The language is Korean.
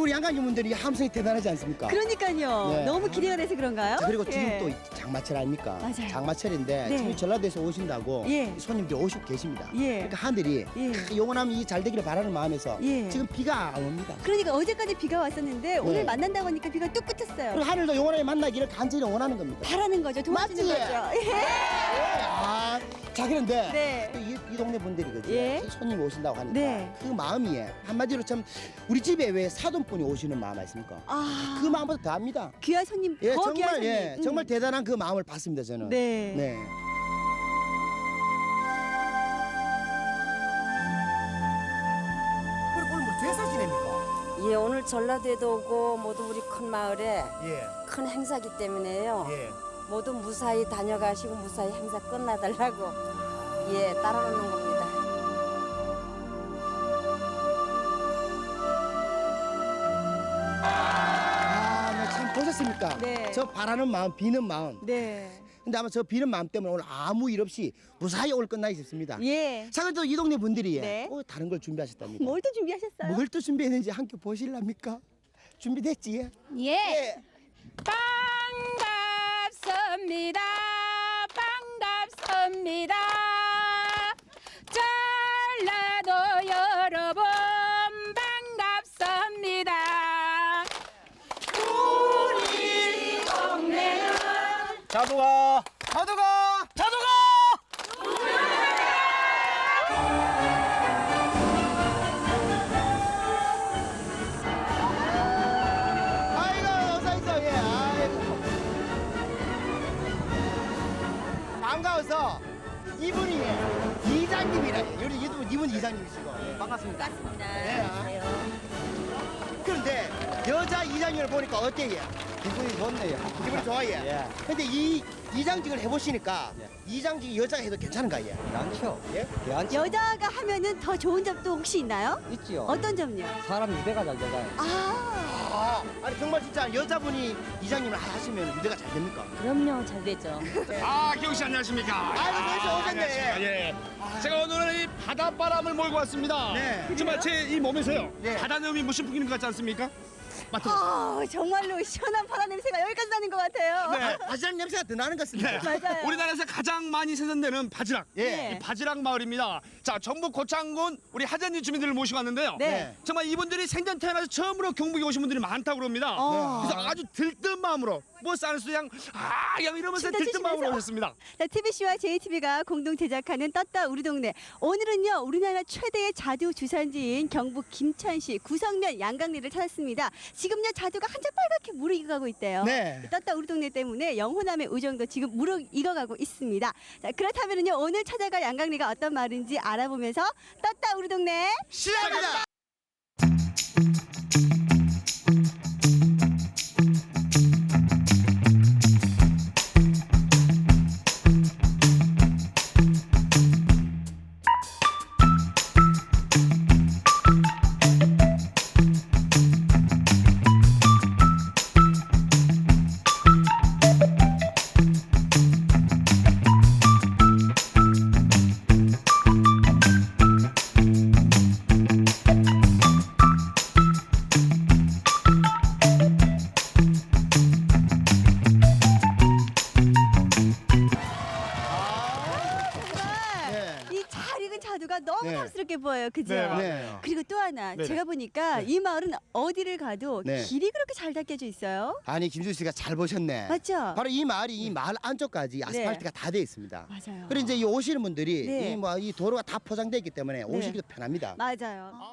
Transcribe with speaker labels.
Speaker 1: 우리 양강주민들이 함성이 대단하지 않습니까?
Speaker 2: 그러니까요.
Speaker 1: 네.
Speaker 2: 너무 기대가 돼서 그런가요?
Speaker 1: 자, 그리고 지금
Speaker 2: 예.
Speaker 1: 또 장마철 아닙니까?
Speaker 2: 맞아요.
Speaker 1: 장마철인데
Speaker 2: 네.
Speaker 1: 지금 전라도에서 오신다고
Speaker 2: 예.
Speaker 1: 손님들이 오시고 계십니다.
Speaker 2: 예.
Speaker 1: 그러니까 하늘이
Speaker 2: 예.
Speaker 1: 영원하면 이 잘 되기를 바라는 마음에서
Speaker 2: 예.
Speaker 1: 지금 비가 안 옵니다.
Speaker 2: 그러니까 어제까지 비가 왔었는데 오늘 만난다고 하니까 비가 뚝 그쳤어요.
Speaker 1: 그리고 하늘도 영원하게 만나기를 간절히 원하는 겁니다.
Speaker 2: 바라는 거죠. 도와주는
Speaker 1: 맞지?
Speaker 2: 거죠.
Speaker 1: 아, 자 그런데
Speaker 2: 네.
Speaker 1: 또 이 동네 분들이 그지
Speaker 2: 예.
Speaker 1: 손님이 오신다고 하니까
Speaker 2: 네.
Speaker 1: 그 마음이 한마디로 참 우리 집에 왜 사돈분이 오시는 마음 아십니까?
Speaker 2: 아,
Speaker 1: 그 마음보다 더합니다.
Speaker 2: 귀한 손님,
Speaker 1: 예,
Speaker 2: 더 귀한
Speaker 1: 정말
Speaker 2: 손님.
Speaker 1: 예, 정말 대단한 그 마음을 받습니다 저는.
Speaker 2: 네.
Speaker 1: 네. 오늘 뭐 제사 지냅니까?
Speaker 3: 예, 오늘 전라도에도 오고 모두 우리 큰 마을에
Speaker 1: 예,
Speaker 3: 큰 행사기 때문에요.
Speaker 1: 예.
Speaker 3: 모두 무사히 다녀가시고 무사히 행사 끝나달라고 예 따라오는 겁니다.
Speaker 1: 아, 네, 참 보셨습니까?
Speaker 2: 네.
Speaker 1: 저 바라는 마음, 비는 마음.
Speaker 2: 네.
Speaker 1: 근데 아마 저 비는 마음 때문에 오늘 아무 일 없이 무사히 오늘 끝나기 싶습니다.
Speaker 2: 예.
Speaker 1: 자, 그래도 이 동네 분들이
Speaker 2: 네.
Speaker 1: 다른 걸 준비하셨답니다.
Speaker 2: 뭘 또 준비하셨어요?
Speaker 1: 뭘 또 준비했는지 함께 보실랍니까? 준비됐지? 예?
Speaker 4: 예.
Speaker 1: 예.
Speaker 4: 반갑습니다. 반갑습니다. 전라도 여러분 반갑습니다. 우리 동네는
Speaker 1: 자두가 자두가 자두가 아이고 어서 있어. 예. 아이고 반가워서 이분이 이장님이라 우리 이분 이장님이시고 예, 반갑습니다.
Speaker 2: 반갑습니다.
Speaker 1: 예. 그런데 여자 이장님을 보니까 어때요?
Speaker 5: 기분이 좋네요.
Speaker 1: 기분이 좋아요.
Speaker 5: 예.
Speaker 1: 근데 이 이장직을 해보시니까
Speaker 5: 예.
Speaker 1: 이장직이 여자가 해도 괜찮은가 예?
Speaker 5: 많죠.
Speaker 1: 예?
Speaker 5: 많죠.
Speaker 2: 여자가 하면은 더 좋은 점도 혹시 있나요?
Speaker 5: 있지요.
Speaker 2: 어떤 점요?
Speaker 5: 사람 유대가 잘 되잖아요.
Speaker 2: 아,
Speaker 1: 아니 정말 진짜 여자분이 이장님을 하시면 유대가 잘 됩니까?
Speaker 4: 그럼요, 잘 되죠.
Speaker 6: 아, 기용 씨 안녕하십니까?
Speaker 1: 아이고, 벌써 오셨네.
Speaker 6: 안녕하십니까? 예. 제가 오늘은 이 바닷바람을 몰고 왔습니다.
Speaker 1: 네.
Speaker 6: 정말 제 이 몸에서요.
Speaker 1: 네.
Speaker 6: 바다내음이 무슨 풍기는 것 같지 않습니까? 맡아.
Speaker 2: 아, 정말로 시원한 바다 냄새가 여기까지 나는 것 같아요.
Speaker 6: 네.
Speaker 1: 바지락 냄새가 더 나는 것 같습니다.
Speaker 6: 네.
Speaker 2: 맞아요.
Speaker 6: 우리나라에서 가장 많이 생산되는 바지락.
Speaker 1: 예.
Speaker 6: 이 바지락 마을입니다. 자, 전북 고창군 우리 하전리 주민들을 모시고 왔는데요.
Speaker 2: 네.
Speaker 6: 정말 이분들이 생전 태어나서 처음으로 경북에 오신 분들이 많다고 그럽니다.
Speaker 2: 어.
Speaker 6: 그래서 아주 들뜬 마음으로 뭐 쌀수 양 이러면서
Speaker 2: 진짜
Speaker 6: 들뜬 마음으로
Speaker 2: 치시면서.
Speaker 6: 오셨습니다.
Speaker 2: 자, TBC와 JTB가 공동 제작하는 떴다 우리 동네. 오늘은요, 우리나라 최대의 자두 주산지인 경북 김천시 구성면 양강리를 찾았습니다. 지금요, 자두가 한참 빨갛게 무르익어가고 있대요.
Speaker 1: 네.
Speaker 2: 떴다 우리 동네 때문에 영호남의 우정도 지금 무르익어가고 있습니다. 자, 그렇다면요, 오늘 찾아갈 양강리가 어떤 마을인지 알아보면서 떴다 우리 동네.
Speaker 1: 시작합니다.
Speaker 2: 정말
Speaker 1: 네.
Speaker 2: 이 잘 익은 자두가 너무
Speaker 1: 네.
Speaker 2: 탐스럽게 보여요. 그죠?
Speaker 6: 네, 맞아요.
Speaker 1: 네.
Speaker 2: 그리고 또 하나
Speaker 6: 네네.
Speaker 2: 제가 보니까 이 마을은 어디를 가도
Speaker 1: 네.
Speaker 2: 길이 그렇게 잘 닦여져 있어요.
Speaker 1: 아니 김준 씨가 잘 보셨네.
Speaker 2: 맞죠?
Speaker 1: 바로 이 마을이 이 마을 안쪽까지 아스팔트가 다 돼 있습니다.
Speaker 2: 맞아요.
Speaker 1: 그리고 이제 이 오시는 분들이
Speaker 2: 네.
Speaker 1: 이 도로가 다 포장돼 있기 때문에 오시기도 편합니다.
Speaker 2: 맞아요.